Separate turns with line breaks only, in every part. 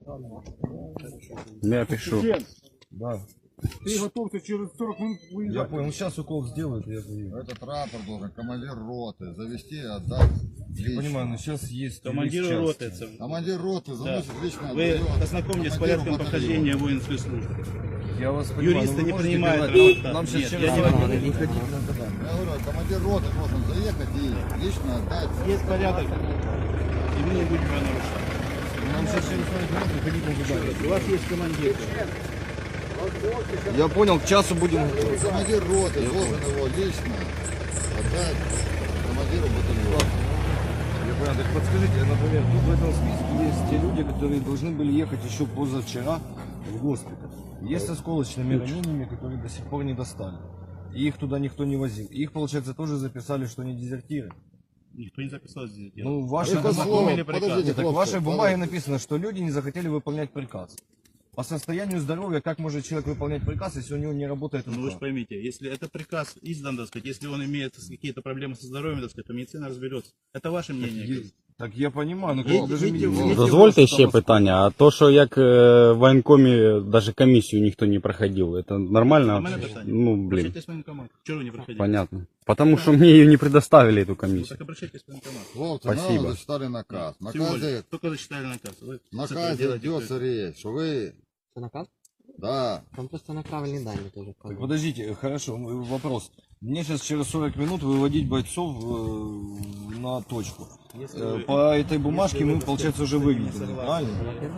Я пишу.
Да.
Ты готовься через 40 минут
Я
выезжать.
понял, сейчас укол сделают, и я поеду.
Этот рапорт должен командир роты завести и отдать
Я
лично.
понимаю, но сейчас есть
Командиру
юрист
роты.
части.
Командир роты заносит лично.
Вы
отдает
ознакомьтесь с
командиру
порядком
батальона.
прохождения воинской службы.
Я вас понимаю,
Юристы
но вы
не
можете
принимают
говорить,
рапорта.
нам сейчас
Нет,
через
я не
40
могу.
минут не ходить надо.
Я говорю, командир роты должен заехать и лично отдать.
Есть порядок, и мы не будем его нарушать.
Нам сейчас через 40 минут выходить на задание.
У вас есть командир.
Я понял, к часу будем.
Командир роты должен его лично отдать командиру батальона.
Я понял, так подскажите, например, тут в этом списке есть те люди, которые должны были ехать еще позавчера в госпиталь. Есть с осколочными ранениями, которые до сих пор не достали. И их туда никто не возил. Их, получается, тоже записали, что они дезертиры.
Никто не записал здесь.
Ну, в вашей,
Это слово, подождите,
так в
хлопцы,
вашей бумаге
подождите.
написано, что люди не захотели выполнять приказ. По состоянию здоровья, как может человек выполнять приказ, если у него не работает
Ну вы
рука?
же поймите, если это приказ издан, так сказать, если он имеет какие-то проблемы со здоровьем, так сказать, то медицина разберется. Это ваше мнение.
Так я понимаю, ну
Є-
как даже
є-
медицина-
є-
Дозвольте ще питання, а то, що як в воєнкомі навіть комісію ніхто не проходив, це нормально?
У мене питання.
Ну, блін,
Обращайтесь в военкомат. Чего вы не проходили?
понятно. Потому що мені її не предоставили, эту
Ну,
комісію.
так обращайтесь в военкомат.
Хлопцы,
Спасибо.
нам зачитали наказ. В
Тем более,
наказе,
только зачитали наказ. Вы
в
с этого
наказе
делаете
идется речь, что вы,
Це наказ?
да,
Там просто неправильні дані теж
Так
вказані.
подождите, хорошо, вопрос. Мне сейчас через 40 минут выводить бойцов на точку.
Если вы-
По этой бумажке
если вы,
мы,
так
получается, уже
сказать,
выведены,
согласны.
правильно?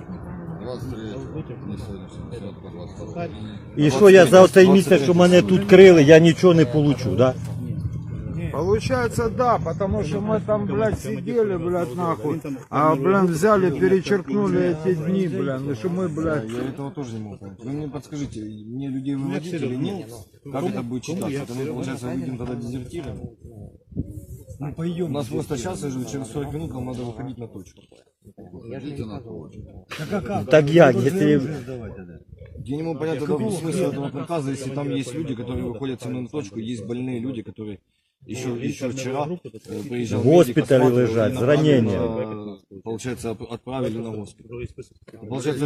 23 не сегодняшний, сегодня 22.
І що я за цей місяць, що мене тут крили, я нічого не получу, да?
Получается, да, потому что мы там, блядь, сидели, блядь, нахуй. А, блядь, взяли, перечеркнули эти дни, блядь, и что мы, блядь.
Я этого тоже не могу понять. Вы мне подскажите, мне людей выводить или нет? Как это будет читаться? Это мы, получается, выйдем тогда дезертирами? У нас просто сейчас, через 40 минут нам надо выходить на точку.
Идите на точку.
Так як, якщо...
Я не могу понять тогда смысл этого приказа, если там есть люди, которые выходят со мной на точку, есть больные люди, которые еще вчера приезжал
В госпитале
медик, осматривал,
лежат
и
с
направили
ранением.
Получается, отправили на госпиталь.
Другой список.
Получается,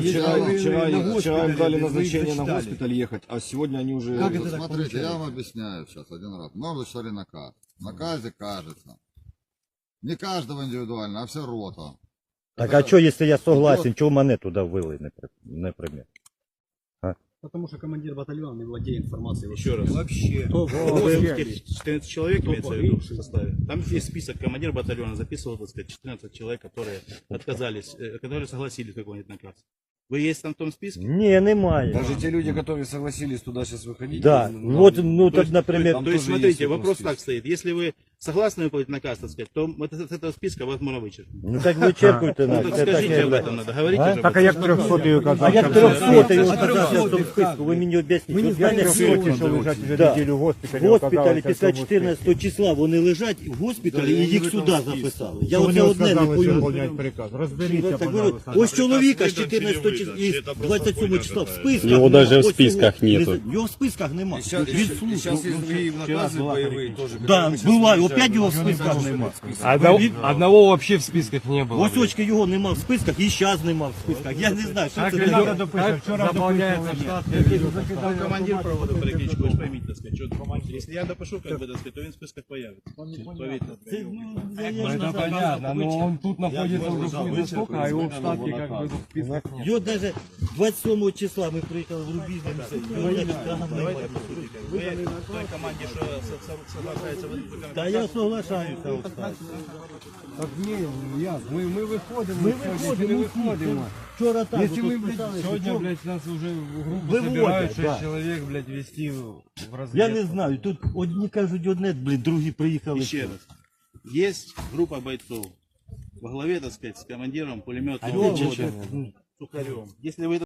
вчера им дали назначение на госпиталь ехать, а сегодня они уже...
Вот смотрите, я вам объясняю сейчас один раз. Нам зачитали наказ. В наказе кажется. Не каждого индивидуально, а вся рота.
Так а що, якщо я согласен, чого мене туди ввели, наприклад?
Потому что командир батальона не владеет информацией.
Еще раз.
Вообще.
Вообще. 14 человек имеется в виду в составе. Там есть список, командир батальона записывал, так сказать, 14 человек, которые отказались, которые согласились выполнить наказ. Вы есть там в том списке?
Ні, немає.
Даже те люди, которые согласились туда сейчас выходить...
Да,
нам-
вот, ну
То
так,
есть-
например,
там
То есть,
тоже есть
смотрите,
в этом
вопрос
списке.
так стоит. Если вы согласны выполнить наказ, так сказать, то вот с этого списка вас можно вычеркнуть.
ну так вичеркуйте
Ну,
нас.
так
Це
скажите
таке,
об
да.
этом надо, говорите
А?
же.
Так, а як 300-й указав?
А як
що
300
це?
його оказався в тому списку, ви мені об'ясніть.
Мені
От в мене
300, що лежать вже
Да.
неділю в госпіталі.
в госпіталі
оказалося
після
в цьому
14 числа вони лежать в госпіталі і їх сюди записали. Я оце одне не
сказали
пойму.
виконувати приказ. Розберіться,
Так,
пожалуйста.
ось чоловіка з 14 числа, і 27 числа в списках.
Його
нема.
даже в
Ось
списках
його-
нету.
Його в списках нема.
Сейчас,
Він служить.
сейчас есть другие наказы боевые тоже.
Да,
которые мы щас
буває,
выезжаем.
опять його в списках нема.
Одного вообще в списках не було.
Ось очки його нема в списках, і зараз нема в списках. Я не знаю, що це таке.
Вчора заповняється штат.
Вы командир проводил перекличку, вы же поймите, так сказать, что если я допишу, как бы, так сказать, то он в списках появится. Поверьте.
Це, ну, я не
Это
знаю.
понятно, но он тут находится уже хуй сколько, а его в штатке как бы в списках нет.
Його навіть 27 числа ми приїхали в Рубіжне, його навіть там
Давайте
немає.
послушайте. Вы в той команде, что соглашается в
Та я соглашаюся. от так.
Так ні, я, ми виходимо,
Ми
сьогодні,
виходимо,
не виходимо.
Вчора так,
Если
от
мы, блядь,
писали,
сегодня,
що-
блядь, нас уже в группу
Выводят,
собирают 6
да.
человек, блядь, вести в разведку.
Я не знаю, тут одні кажуть одне, блін, другі приїхали.
Еще раз. Есть группа бойцов во главе, так сказать, с командиром пулеметного
Сухарем.
Сухарем. Если вы